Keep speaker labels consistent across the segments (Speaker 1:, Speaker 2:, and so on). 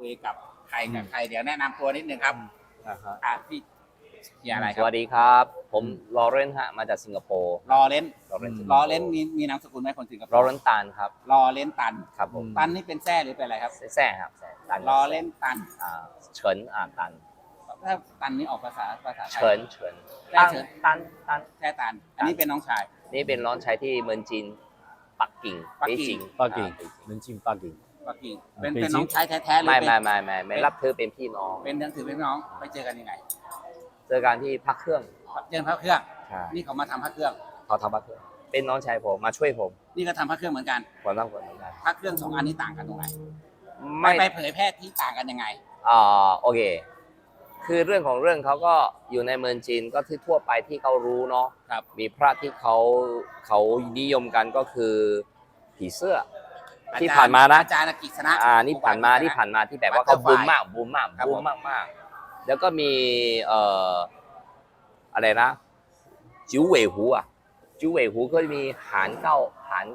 Speaker 1: คุยกับใครเดี๋ยวแนะนำตัวนิดนึงครับพี่อะไรค
Speaker 2: ส
Speaker 1: รับ
Speaker 2: วัสดีครับผมลอเรนฮะมาจากสิงคโปร์
Speaker 1: ลอเรนมีนามสกุลไหมคนสิงคโปร์
Speaker 2: ลอเรนตันครับ
Speaker 1: ลอเรนตัน
Speaker 2: ครับผม
Speaker 1: ตันนี่เป็นแซ่หรือเป็นอะไรครับ
Speaker 2: แซ่ครับตัน
Speaker 1: ลอเรนตัน
Speaker 2: เฉินตัน
Speaker 1: ถ้าตันนี่ออกภาษาไทย
Speaker 2: เฉิน
Speaker 1: แซ่เฉิน
Speaker 2: ตัน
Speaker 1: แซ่ตันอันนี้เป็นน้องชาย
Speaker 2: นี่เป็นร้อนใช้ที่เมืองจีนปักกิ่ง
Speaker 1: ปักกิ่ง
Speaker 2: เบจิง
Speaker 3: 能进八景。
Speaker 1: ปักกิ่ง
Speaker 3: เป็
Speaker 1: เป็น
Speaker 3: น
Speaker 1: น้องชายแท้ๆหรือ
Speaker 2: ไม่
Speaker 1: เป็น
Speaker 2: ไม่รับเธอเป็นพี่น้อง
Speaker 1: เป็นถือเป็นน้องไปเจอกันยังไง
Speaker 2: เจอกันที่พักเครื่อง
Speaker 1: เจอพระเครื่อง
Speaker 2: ใช่
Speaker 1: นี่เขามาทำพระเครื่อง
Speaker 2: เขาทำพักเครื่องเป็นน้องชายผมมาช่วยผม
Speaker 1: นี่ก็ทำพระเครื่องเหมือนกัน
Speaker 2: ผมต้องคนเหมือนกัน
Speaker 1: พระเครื่องสองอันนี้ต่างกันตรงไหน
Speaker 2: ไม่
Speaker 1: ไปเผยแพร่ที่ต่างกันยังไง
Speaker 2: โอเค คือเรื่องของเรื่องเขาก็อยู่ในเมืองจีนก็ที่ทั่วไปที่เขารู้เนาะ
Speaker 1: ครับ
Speaker 2: มีพระที่เขานิยมกันก็คือผีเสื้อที่ผ่านมานะ
Speaker 1: อาจารย์กิษณะ
Speaker 2: นี่ผ่านมาที่แบบว่าเขาบูมมากแล้วก็มีอะไรนะจิ๋วเหวยหูจิ๋วเหวยหูก็มีหานเก้า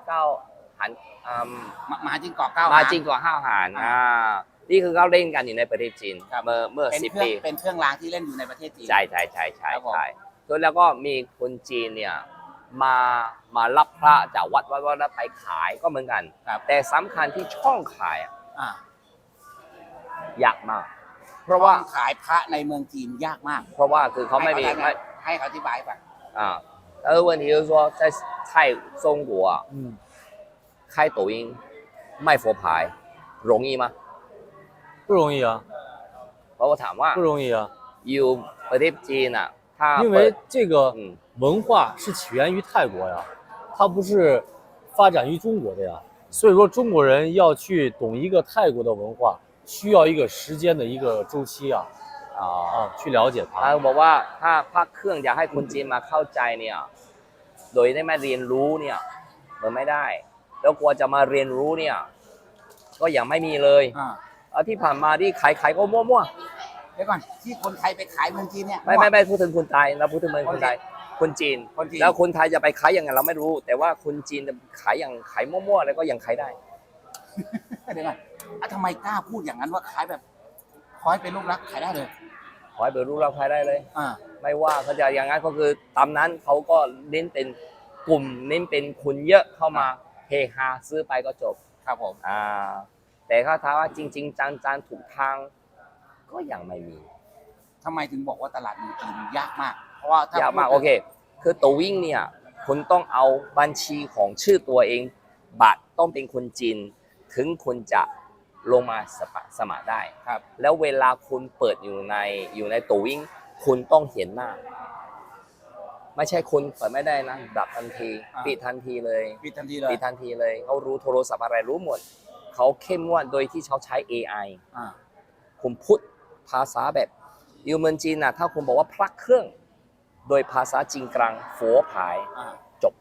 Speaker 1: มาจิงเกาะเก้า
Speaker 2: มาจริงกว่าห้าวหานนี่คือเขาเล่นกันอยู่ในประเทศจีน
Speaker 1: ครับ
Speaker 2: เมื่อ
Speaker 1: เป็น
Speaker 2: 10
Speaker 1: เครื่อง
Speaker 2: ปี
Speaker 1: เป็นเครื่องรางที่เล่นอยู่ในประเทศจีน
Speaker 2: ใช่
Speaker 1: ครับผม
Speaker 2: แล้วก็มีคนจีนเนี่ยมารับพระจากวัดแล้วไปขายก็เหมือนกัน
Speaker 1: ครับ
Speaker 2: แต่สำคัญที่ช่องขาย
Speaker 1: อ่าย
Speaker 2: ยากมาก เพราะว่า
Speaker 1: ขายพระในเมืองจีนยากมาก
Speaker 2: เพราะว่าคือเขาไม่มี
Speaker 1: ให้เขาอธิบายไป
Speaker 2: 问题就是说在中国开抖音卖佛牌容易吗？
Speaker 3: 不容易啊，
Speaker 2: เพราะว่าถามว่า
Speaker 3: 不容易啊，
Speaker 2: อยู่ประเทศจีนถ้า
Speaker 3: 因
Speaker 2: เปิด
Speaker 3: 为这个文化是起源于泰国呀，它不是发展于中国的呀，所以说中国人要去懂一个泰国的文化，需要一个时间的一个周期啊，去了解它。
Speaker 2: บอกว่าถ้าพระเครื่องอยากให้คนจีนมาเข้าใจเนี่ยโดยได้มาเรียนรู้เนี่ยมันไม่ได้ แล้วกลัวจะมาเรียนรู้เนี่ยก็ยังไม่มีเลยที่ผ่านมาที่ขายก็มั่ว
Speaker 1: เดี๋ยวก่อนที่คนไทยไปขายเมืองจีนเนี่ย
Speaker 2: ไม่พูดถึงคนไทยเราพูดถึงเมืองคนไทยคนจีนแล้วคนไทยจะไปขายยังไงเราไม่รู้ แต่ว่าคนจีนจะขายมั่วๆแล้วก็ยังขายได้
Speaker 1: เดี๋ยวก่อนทำไมกล้าพูดอย่างนั้นว่าขายแบบขอให้เป็นลูกรักขายได้เลย
Speaker 2: ขอให้เปิดรูปเราขายได้เลย
Speaker 1: อ่า
Speaker 2: ไม่ว่าเขาจะอย่างนั้นก็คือตามนั้นเขาก็เน้นเป็นกลุ่มเน้นเป็นคนเยอะเข้ามาเฮฮาซื้อไปก็จบ
Speaker 1: ครับผม
Speaker 2: แต่ถ้าถามว่าจริงๆจังๆถูกทางก็ยังไม่มี
Speaker 1: ทำไมถึงบอกว่าตลาดเมืองจีนยากมาก เพราะว่าถ้
Speaker 2: ยากมากโอเคคือตัววิ่งเนี่ยคุณต้องเอาบัญชีของชื่อตัวเองบัตรต้องเป็นคนจีนถึงคุณจะลงมาสมัครได้
Speaker 1: ครับ
Speaker 2: แล้วเวลาคุณเปิดอยู่ในตัววิ่งคุณต้องเห็นหน้า ไม่ใช่คุณเปิดไม่ได้นะดับทันทีปิดทันทีเลย
Speaker 1: ปิดทันทีเลย
Speaker 2: ปิดทันทีเลยเขารู้โทรศัพท์อะไรรู้หมดเขาเข้มงวดโดยที่เขาใช้ AI คุณพูดภาษาแบบอยู่เมืองจีนถ้าคุณบอกว่าพระเครื่องโดยภาษาจีนกลาง佛牌จบ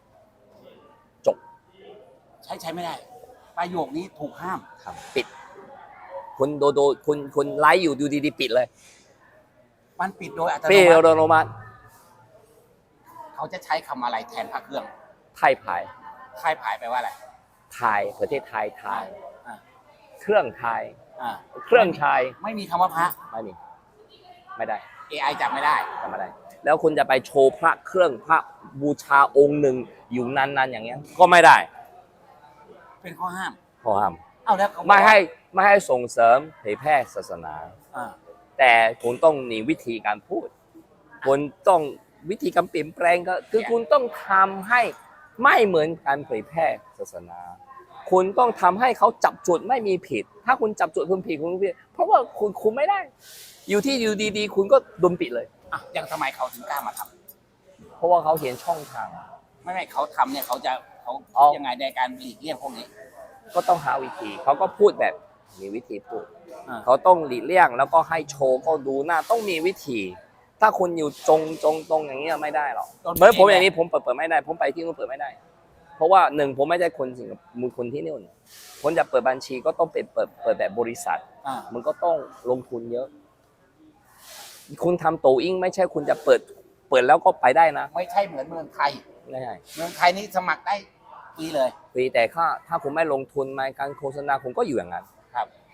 Speaker 1: ใช้ไม่ได้ประโยคนี้ถูกห้าม
Speaker 2: ปิดคุณคุณไลฟ์อยู่ดูดีๆปิดเลย
Speaker 1: มันปิดโดยอัตโน
Speaker 2: ปิด
Speaker 1: มั
Speaker 2: โดยอั
Speaker 1: ติ
Speaker 2: ตโนมัติ
Speaker 1: เขาจะใช้คำอะไรแทนพระเครื่อง
Speaker 2: ไทยผาย
Speaker 1: ค่ายผายแปลว่าอะไร
Speaker 2: ไทยประเทศไทยไทย
Speaker 1: อ่า
Speaker 2: เครื่องไทย
Speaker 1: อ่า
Speaker 2: เครื่องไทย
Speaker 1: ไม่มีคำว่าพระ
Speaker 2: ไม่มีไม่ได้
Speaker 1: AI จับไม่ได้
Speaker 2: ทำไม่ได้แล้วคุณจะไปโชว์พระเครื่องพระบูชาองค์หนึ่งอยู่นานๆอย่างเงี้ยก็ไม่ได้
Speaker 1: เป็นข้อห้าม
Speaker 2: ขอห้าม
Speaker 1: เอาแล้วเขาบอก
Speaker 2: ไม่ให้ส่งเสริมเผยแพร่ศาสนา
Speaker 1: อ่า
Speaker 2: แต่คุณต้องมีวิธีการพูดคุณต้องวิธีการเปลี่ยนแปลงก็คือคุณต้องทำให้ไม่เหมือนการเผยแพร่ศาสนา คุณต้องทำให้เขาจับจุดไม่มีผิด ถ้าคุณจับจุดคุณผิดคุณผิดเพราะว่าคุณคุมไม่ได้ อยู่ที่อยู่ดีๆ คุณก็โดนปิดเลย
Speaker 1: อย่างทำไมเขาถึงกล้ามาทำ
Speaker 2: เพราะว่าเขาเห็นช่องทาง
Speaker 1: ไม่เขาทำเนี่ยเขายังไงในการหลีกเลี่ยงพวกนี้
Speaker 2: ก็ต้องหาวิธีเขาก็พูดแบบมีวิธีพูด
Speaker 1: เขา
Speaker 2: เขาต้องหลีกเลี่ยงแล้วก็ให้โชว์ก็ดูหน้าต้องมีวิธี ถ้าคุณอยู่ตรงอย่างเงี้ยไม่ได้หรอกเหมือนผมอย่างนี้ผมเปิดไม่ได้ผมไปที่นู่นเปิดไม่ได้ เพราะว่าหนึ่งผมไม่ใช่คนสิงคโปร์คนที่นู่นผมจะเปิดบัญชีก็ต้องเป็นเปิดแบบบริษัทมันก็ต้องลงทุนเยอะ คุณทำโตอิงไม่ใช่คุณจะเปิดแล้วก็ไปได้นะ
Speaker 1: ไม่ใช่เหมือนเมืองไทย
Speaker 2: ไม่ใช่
Speaker 1: เมืองไทยนี่สมัครได้ฟรีเลย
Speaker 2: ฟรีแต่ถ้าคุณไม่ลงทุนในการโฆษณาคุณก็อยู่อย่างนั้น
Speaker 1: ครับ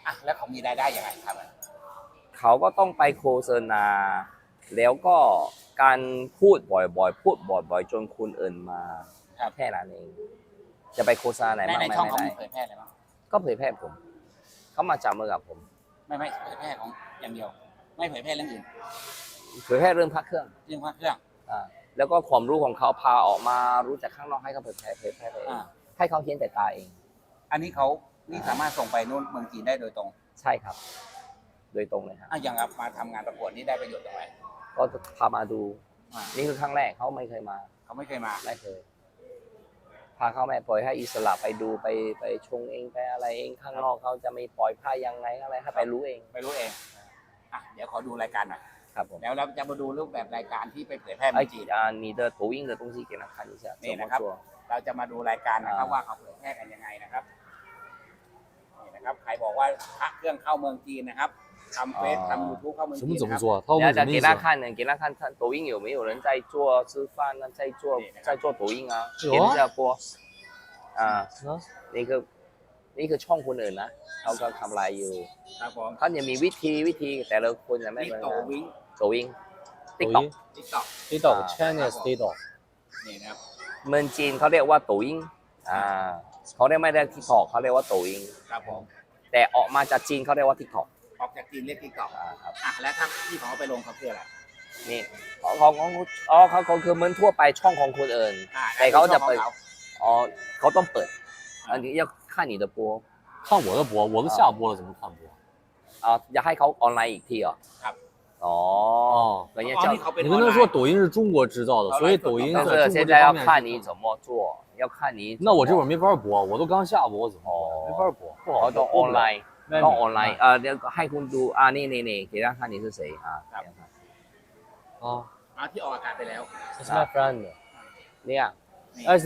Speaker 1: อ่ะแล้วเขามีรายได้ยังไงครับ
Speaker 2: เขาก็ต้องไปโฆษณา แล้วก็การพูดบ่อยๆ พูดบ่อยๆ จนคนอื่นมา
Speaker 1: ครับ
Speaker 2: แค่นั้นเอง จะไปโฆษณาไหน
Speaker 1: ใน
Speaker 2: บ้าง
Speaker 1: ใน
Speaker 2: ไม่
Speaker 1: ช่องเขา
Speaker 2: ได้
Speaker 1: มีเผยแพร่อะไรบ้าง
Speaker 2: ก็เผยแพร่ผม เขามาจับมือกับผม
Speaker 1: ไม่เผยแพร่ของอย่างเดียว ไม่เผยแพร่เรื่องอื่น
Speaker 2: เผยแพร่เรื่องพระเครื่อง
Speaker 1: เรื่องพระเครื่อง
Speaker 2: แล้วก็ความรู้ของเขาพาออกมารู้จากข้างนอกให้เขาเผยแพร่ไปเอง
Speaker 1: อ่า
Speaker 2: ให้เขาเห็นแต่ตาเอง
Speaker 1: อันนี้เขานี่สามารถส่งไปนู่นเมืองจีนได้โดยตรง
Speaker 2: ใช่ครับ โดยตรงเลยครับ
Speaker 1: อ่ะอย่างเอามาทำงานประกวดนี่ได้ประโยชน์ตรงไหน
Speaker 2: ก็พามาดู
Speaker 1: อ่า
Speaker 2: นี่คือครั้งแรกเขาไม่เคยมา
Speaker 1: เขาไม่เคยมา
Speaker 2: ไม่เคย พาเขาแม่ปล่อยให้อิสระไปดูไปชงเองไปอะไรเองข้างนอกเขาจะไม่ปล่อยผ้ายังไงอะไรให้ไปรู้เอง
Speaker 1: ไม่รู้เองอ่ะเดี๋ยวขอดูรายการหน่อย
Speaker 2: ครับผม
Speaker 1: แล้วเราจะมาดูรูปแบบรายการที่ไปเผยแพร่เมื
Speaker 2: 哎
Speaker 1: องจีน
Speaker 2: 你的抖音的东西给他看一下，
Speaker 1: นี่
Speaker 2: 怎么
Speaker 1: นะครับ
Speaker 2: 做？
Speaker 1: เราจะมาดูรายการนะครับ
Speaker 2: อ่า
Speaker 1: ว่าเขาเผยแพร่กันยังไงนะครับนี่นะครับใครบอกว่าพระเครื่องเข้าเมืองจีนนะครับทำเฟซทำยูทูบเข้าเมือง
Speaker 3: 什
Speaker 1: จี
Speaker 3: 么
Speaker 1: น
Speaker 3: 怎
Speaker 1: นะ
Speaker 3: 么
Speaker 1: ครับ
Speaker 3: 做？他问
Speaker 2: 然后再
Speaker 3: 什么意思？
Speaker 2: 给他看呢，给他看抖音有没有人在做吃饭呢，在做抖音啊，
Speaker 3: 有啊
Speaker 2: 给人家播啊，
Speaker 3: 啊
Speaker 2: นี่คือช่องคนอื่นนะเขาก็ทำลายอยู่
Speaker 1: ครับผม
Speaker 2: เขาจะมีวิธีแต่ละคนจะไม่
Speaker 1: นี่
Speaker 2: เหมือน
Speaker 1: โต
Speaker 2: กัน
Speaker 1: วิ่ง
Speaker 2: 抖音
Speaker 3: 抖
Speaker 2: TikTok
Speaker 3: 音
Speaker 1: ติ๊กต็อก
Speaker 3: TikTok
Speaker 2: 啊
Speaker 3: Chinese TikTok
Speaker 1: นี่นะครับ
Speaker 2: เมืองจีนเขาเรียกว่า抖音เขาเรียกไม่ได้ TikTok เขาเรียกว่า抖音
Speaker 1: ครับผม
Speaker 2: แต่ออกมาจากจีนเขาเรียกว่า TikTok
Speaker 1: ออกจากจีนเรียกติ๊กต็อก
Speaker 2: ครับ
Speaker 1: อ่ะแล้วถ้าที่เขาเอาไปลงเขาคืออะไร
Speaker 2: นี่เขาคือเหมือนทั่วไปช่องของคนอื่น
Speaker 1: อ่า
Speaker 2: แต่เขาจะ
Speaker 1: ช่อง
Speaker 2: เปิด
Speaker 1: ของ
Speaker 2: อ๋อเขาต้องเปิดอันนี้要看你的播
Speaker 3: 看我的播，我都下播了，怎么看播？
Speaker 2: อยากให้เขาออนไลน์อีกทีเหรอ
Speaker 1: ครับ
Speaker 2: อ๋อ
Speaker 3: 哦，
Speaker 2: อย่างเงี้ย
Speaker 1: อ๋อ
Speaker 2: จะ
Speaker 1: นี่เขาเป็น
Speaker 3: 你
Speaker 1: อ
Speaker 3: 跟
Speaker 1: อน
Speaker 3: 他
Speaker 1: ไล
Speaker 3: 说
Speaker 1: น์
Speaker 3: 抖音是中国制造的，所以抖音
Speaker 2: 但
Speaker 3: 在
Speaker 2: 是现
Speaker 3: 中国这
Speaker 2: 在要看
Speaker 3: 方面是
Speaker 2: 你怎么做要看你
Speaker 3: 那我这会儿没法播，我都刚下播，我怎么播？没法播，不好
Speaker 2: เขา
Speaker 3: 播
Speaker 2: ต้องออนไลน์
Speaker 3: 外面
Speaker 2: ต้องออนไลน์เดี๋ยวให้คุณดูนี่给他看你是谁
Speaker 1: ครับ
Speaker 3: 啊
Speaker 1: เอาที่ออกอากาศไปแล้ว
Speaker 3: ，It's my friend.
Speaker 2: เนี่ย
Speaker 3: It's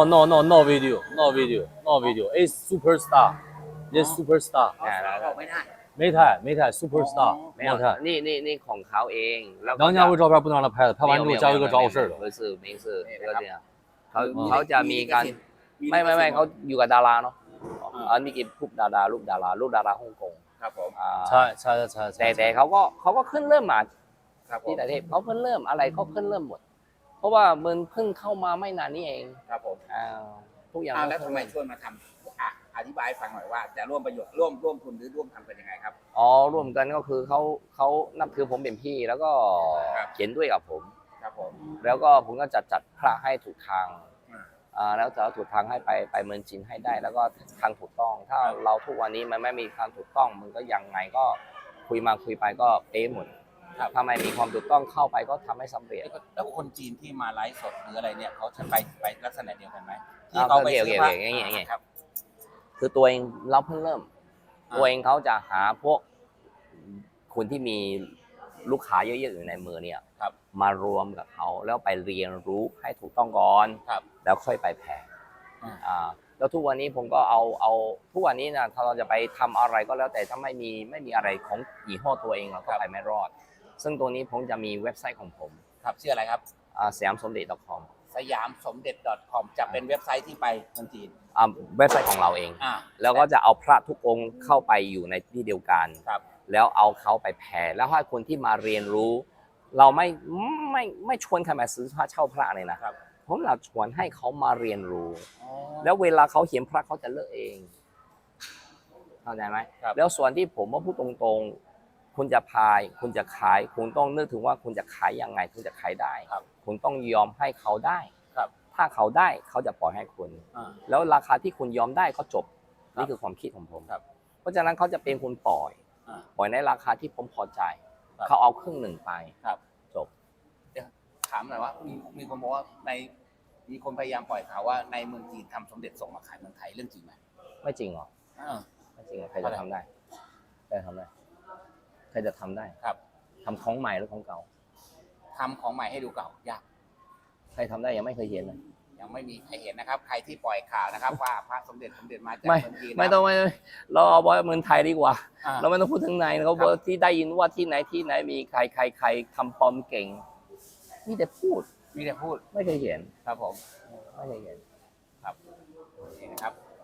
Speaker 3: no video, no video, no video. It's superstar. This superstar.
Speaker 1: เขาออกไม่ได้
Speaker 3: 没太 superstar
Speaker 2: ไม่เอา
Speaker 3: 没太。
Speaker 2: นี่ของเขาเองแล้ว
Speaker 3: 梁家辉照片不能让他拍的，拍完之后家辉哥找我事儿的。
Speaker 2: ไม่是没事ก็เนี่ยเขาจะมีการไม่เขาอยู่กับดาราเนาะอันนี้กินรูปดาราฮ่องกง
Speaker 1: ครับผม
Speaker 2: แต่เขาก็ขึ้นเริ่มมา
Speaker 1: ครับผม
Speaker 2: ที่ต่างประเทศเขาเพิ่งเริ่มอะไรเขาเพิ่งเริ่มหมด เพราะว่ามันเพิ่งเข้ามาไม่นานนี้เอง
Speaker 1: ครับผม
Speaker 2: ทุกอย่าง
Speaker 1: แล้วทำไมชวนมาทำอธิบายให้ฟังหน่อยว่าจะร่วมประโยชน์ร่วมทุนหรือร่วมทำกันยังไงครับ
Speaker 2: ร่วมกันก็คือเขานับถือผมเป็นพี่แล้วก็
Speaker 1: ครับ
Speaker 2: เขียนด้วยกับผม
Speaker 1: ครับผม
Speaker 2: แล้วก็ผมก็จัดพระให้ถูกทาง
Speaker 1: อ่า
Speaker 2: แล้วจะเอาถูกทางให้ไปเมืองจีนให้ได้ แล้วก็ทางถูกต้อง ถ้าเราทุกวันนี้มันไม่มีทางถูกต้องมันก็ยังไงก็คุยมาคุยไปก็เป๊ะหมดถ้าไม่มีความถูกต้องเข้าไปก็ทำให้สำเร็จ
Speaker 1: แล้วคนจีนที่มาไลฟ์สดหรืออะไรเนี่ยเขาจะไปลักษณะเดียวกันไหม
Speaker 2: อ่า
Speaker 1: ที่เขาไป
Speaker 2: โอเค
Speaker 1: ซื้อพระ
Speaker 2: อย่างงี้
Speaker 1: ครับ
Speaker 2: คือตัวเองเราเพิ่งเริ่ม
Speaker 1: อ่า
Speaker 2: ตัวเองเขาจะหาพวกคนที่มีลูกค้าเยอะๆอยู่ในมือเนี่ย
Speaker 1: ครับ
Speaker 2: มารวมกับเขาแล้วไปเรียนรู้ให้ถูกต้องก่อน
Speaker 1: ครับ
Speaker 2: แล้วค่อยไปแผ่ แล้วทุกวันนี้ผมก็เอาทุกวันนี้นะถ้าเราจะไปทำอะไรก็แล้วแต่ถ้าไม่มีอะไรของยี่ห้อตัวเองเราก็ไปไม่รอด ซึ่งตัวนี้ผมจะมีเว็บไซต์ของผม
Speaker 1: ครับชื่ออะไรครับ
Speaker 2: สยามสมเด็จ .com
Speaker 1: สยามสมเด็จ .com จะเป็นเว็บไซต์ที่ไปเมืองจีน
Speaker 2: เว็บไซต์ของเราเอง แล้วก็จะเอาพระทุกองค์เข้าไปอยู่ในที่เดียวกัน
Speaker 1: ครับ
Speaker 2: แล้วเอาเขาไปแผ่แล้วให้คนที่มาเรียนรู้ เราไม่ชวนใครมาซื้อพระเช่าพระเลยนะครับ ผมเราชวนให้เขามาเรียนรู้ แล้วเวลาเขาเห็นพระเขาจะเลือกเองเข้าใจไหม
Speaker 1: ครับ
Speaker 2: แล้วส่วนที่ผมว่าพูดตรงๆ คุณจะพายคุณจะขายคุณต้องนึกถึงว่าคุณจะขายยังไงคุณจะขายได้
Speaker 1: ครับ
Speaker 2: คุณต้องยอมให้เขาได้
Speaker 1: ครับ
Speaker 2: ถ้าเขาได้เขาจะปล่อยให้คุณ
Speaker 1: อ่า
Speaker 2: แล้วราคาที่คุณยอมได้ก็จบ
Speaker 1: ครับ
Speaker 2: นี่คือความคิดของผม
Speaker 1: ครับ
Speaker 2: เพราะฉะนั้นเขาจะเป็นคนปล่อย
Speaker 1: อ่า
Speaker 2: ปล่อยในราคาที่ผมพอใจ
Speaker 1: ครับ
Speaker 2: เขาเอาครึ่งหนึ่งไป
Speaker 1: ครับ
Speaker 2: จบ
Speaker 1: ถามหน่อยว่ามีคนบอกว่ามีคนพยายามปล่อยข่าวว่าในเมืองจีนทำสมเด็จส่งมาขายเมืองไทยเรื่องจริงไหม
Speaker 2: ไม่จริงหรอ ไม่จริงหรอใครจะทำได้ใครจะทำได้ใครจะทำได้
Speaker 1: ครับ
Speaker 2: ทำของใหม่หรือของเก่า
Speaker 1: ทำของใหม่ให้ดูเก่ายาก
Speaker 2: ใครทำได้ยังไม่เคยเห็นเลย
Speaker 1: ยังไม่มีใครเห็นนะครับ ใครที่ปล่อยข่าวนะครับ ว่าพระสมเด็จมาจาก
Speaker 2: ไม่
Speaker 1: เมืองจีน
Speaker 2: ไม่ต้องเราเอาไว้เมืองไทยดีกว่า
Speaker 1: อ่า
Speaker 2: เราไม่ต้องพูดถึงไหนเขาบอกที่ได้ยินว่าที่ไหนมีใครทำปลอมเก่งมีแต่พูด
Speaker 1: มีแต่พูด
Speaker 2: ไม่เคยเห็น
Speaker 1: ครับผม
Speaker 2: ไม่เคยเห็น
Speaker 1: ครับนี่นะครับ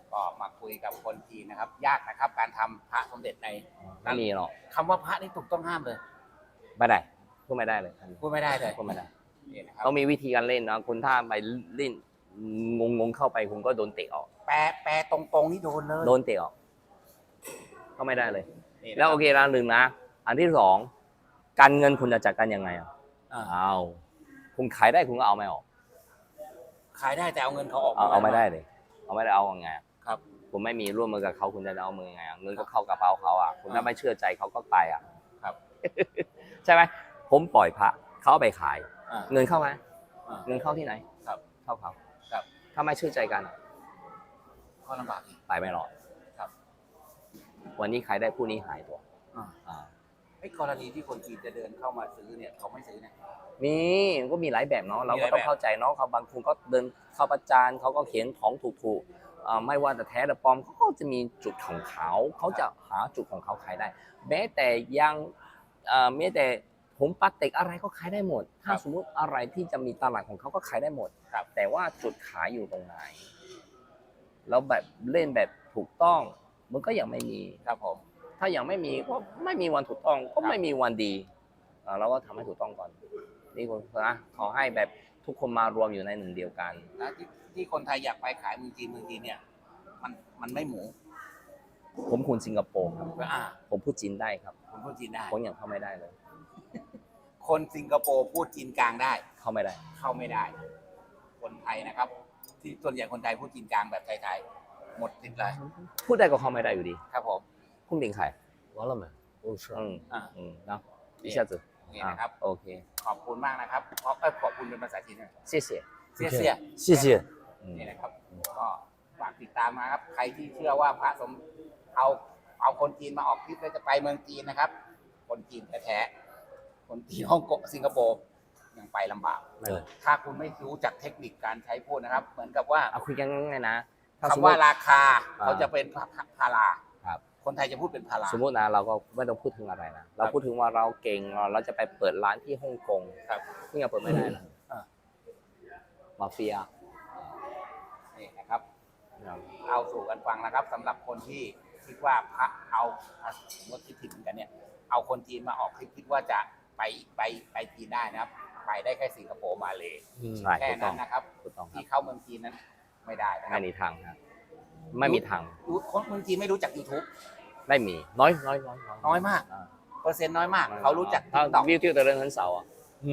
Speaker 1: ก็มาคุยกับคนจีนนะครับ ยากนะครับ การทำพระสมเด็จใน
Speaker 2: ไม่มีหรอก
Speaker 1: คำว่าพระนี่ถูกต้องห้ามเลย
Speaker 2: ไม่ได้พูดไม่ได้เลย
Speaker 1: พูดไม่ได้เลย
Speaker 2: พูดไม่ได้
Speaker 1: นี่นะครับ
Speaker 2: ต้องมีวิธีการเล่นนะคุณถ้าไปเล่นงงเข้าไปคุณก็โดนเตะออก
Speaker 1: แปลตรงๆนี่โดนเลย
Speaker 2: โดนเตะออกก็ไม่ได้เลย
Speaker 1: นี่นะครับ
Speaker 2: แล้วโอเคละหนึ่งนะอันที่สองการเงินคุณจะจัดการยังไงอ่ะ
Speaker 1: อ่า
Speaker 2: เอาคุณขายได้คุณก็เอาไม่ออก
Speaker 1: ขายได้แต่เอาเงินเขาออก
Speaker 2: เอาไม่ได้เลยเอาไม่ได้เอายังไงอะ
Speaker 1: ครับ
Speaker 2: คุณไม่มีร่วมมือกับเขาคุณจะเอามือยังไงอะเงินก็เข้ากระเป๋าเขาอ่ะคุณถ้าไม่เชื่อใจเขาก็ไปอ่ะ
Speaker 1: ครับ
Speaker 2: ใช่ไหมผมปล่อยพระเขาเอาไปขาย
Speaker 1: อ่า
Speaker 2: เงินเข้าไหม
Speaker 1: อ่า
Speaker 2: เงินเข้าที่ไหน
Speaker 1: ครับ
Speaker 2: เข้าเขา
Speaker 1: ครับ
Speaker 2: ถ้าไม่เชื่อใจกัน
Speaker 1: ก็ลำบากอีก
Speaker 2: ไปไม่รอด
Speaker 1: ครับ
Speaker 2: วันนี้ขายได้พรุ่งนี้หายตัว
Speaker 1: อ่า
Speaker 2: อ่า
Speaker 1: ไอ้กรณีที่คนจีนจะเดินเข้ามาซื้อเนี่ยเขาไม่ซื้อเนี่ย
Speaker 2: มีมันก็มีหลายแบบเนาะเรา
Speaker 1: มีห
Speaker 2: ก็
Speaker 1: ลาย
Speaker 2: ต้อง
Speaker 1: แบบ
Speaker 2: เข้าใจเนาะเขาบางคนก็เดินเข้าประจานเขาก็เขียนของถูกๆไม่ว่าจะแท้หรือปลอมเขาก็จะมีจุดของเขาเขาจะหาจุดของเขาขายได้ แม้แต่ยังแม้แต่ผมปาเต็กอะไรก็ขายได้หมด ถ้าสมมุติอะไรที่จะมีตลาดของเขาก็ขายได้หมด
Speaker 1: ครับ
Speaker 2: แต่ว่าจุดขายอยู่ตรงไหนแล้วแบบเล่นแบบถูกต้องมันก็ยังไม่มี
Speaker 1: ครับผม
Speaker 2: ถ้ายังไม่มีก็ไม่มีวันถูกต้องก็ไม่มีวันดีเราก็ทำให้ถูกต้องก่อนนี่คนนะขอให้แบบทุกคนมารวมอยู่ในหนึ่งเดียวกัน
Speaker 1: แล้วที่คนไทยอยากไปขายเมืองจีนเนี่ยมันไม่หมู
Speaker 2: ผมคนสิงคโปร์ครับ
Speaker 1: อ่า
Speaker 2: ผมพูดจีนได้ครับ
Speaker 1: คนพูดจีนได้
Speaker 2: ผมยังเข้าไม่ได้เลย
Speaker 1: คนสิงคโปร์พูดจีนกลางได้
Speaker 2: เข้าไม่ได้
Speaker 1: เข้าไม่ได้ คนไทยนะครับ ที่ส่วนใหญ่คนไทยพูดจีนกลางแบบไทยๆหมดสิทธิ์เลย
Speaker 2: พูดได้ก็เข้าไม่ได้อยู่ดี
Speaker 1: ครับผม
Speaker 2: พุ่งติงไข่
Speaker 3: 完了没？不是。
Speaker 1: อ่า
Speaker 2: เนาะ一下子
Speaker 1: นี่นะครับ
Speaker 2: โอเค
Speaker 1: ขอบคุณมากนะครับขอบคุณเป็นภาษาจีนด้วย
Speaker 2: 谢谢
Speaker 1: เสียเสีย
Speaker 3: 谢谢。
Speaker 1: นี่นะครับ ก็ฝากติดตามนะครับ ใครที่เชื่อว่าพระสมเอาคนจีนมาออกทริปแล้วจะไปเมืองจีนนะครับ คนจีนแท้ๆคนจีนฮ่องกงสิงคโปร์ยังไปลำบาก
Speaker 3: 对。
Speaker 1: ถ้าคุณไม่รู้จักเทคนิคการใช้พูดนะครับ เหมือนกับว่า
Speaker 2: เอาคุยกันง่ายๆนะถ้าสม
Speaker 1: คำ
Speaker 2: ม
Speaker 1: ว่า
Speaker 2: ติ
Speaker 1: ราคา
Speaker 2: อ่า
Speaker 1: เขาจะเป็นพารา
Speaker 2: ครับ
Speaker 1: คนไทยจะพูดเป็นพารา
Speaker 2: สมมตินะเราก็ไม่ต้องพูดถึงอะไรนะเราพูดถึงว่าเราเก่งเราจะไปเปิดร้านที่ฮ่องกง
Speaker 1: ครับ
Speaker 2: ที่ยังเปิดไม่ได้นะ
Speaker 1: อ่า
Speaker 2: มาเฟีย
Speaker 1: นี่นะครับ เอาสู่กันฟังนะครับสำหรับคนที่คิดว่าพระเอางดคิดผิดเหมือนกันเนี่ย เอาคนจีนมาออกคลิปคิดว่าจะไปจีนได้นะครับ ไปได้แค่สิงคโปร์มาเลย
Speaker 2: ใช่
Speaker 1: แค่
Speaker 2: ถูกต้
Speaker 1: นั้
Speaker 2: อง
Speaker 1: นนะครับ
Speaker 2: ถูกต้องครั
Speaker 1: ที่
Speaker 2: บ
Speaker 1: เข้าเมืองจีนนั้นไม่ได้นะครั
Speaker 2: ไม่
Speaker 1: บ
Speaker 2: มีทางครับไม่มีทาง
Speaker 1: คนเมืองจีนไม่รู้จัก YouTube
Speaker 2: ไม่มีน้อย
Speaker 1: น้อยมาก เปอร์เซ็นต์น้อยมาก เขารู้จัก
Speaker 2: ถ้า
Speaker 1: TikTok
Speaker 2: วิวที่แต่เรื่องนั้นเสาอ่ะ
Speaker 3: 嗯。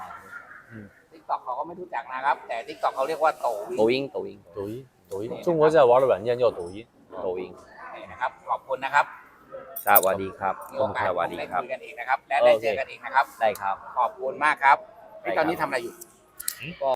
Speaker 1: TikTok เขาก็ไม่รู้จักนะครับ แต่ TikTok เขาเรียกว่าโตวิ
Speaker 2: 抖音抖音
Speaker 3: 抖音，抖音，中国在玩的软件叫抖音。
Speaker 2: 抖音
Speaker 1: นี่นะครับ ขอบคุณนะครับ
Speaker 2: สวัสดีครับ
Speaker 1: มีโอกาส
Speaker 2: สวัสดี
Speaker 1: ได้
Speaker 2: ครับ
Speaker 1: คุยกันอีกนะครับ และได้เจอกันอีกนะครับ
Speaker 2: ได้ครับ
Speaker 1: ขอบคุณมากครับ
Speaker 2: ได้ครับ
Speaker 1: ตอนนี้ทำอะไรอยู่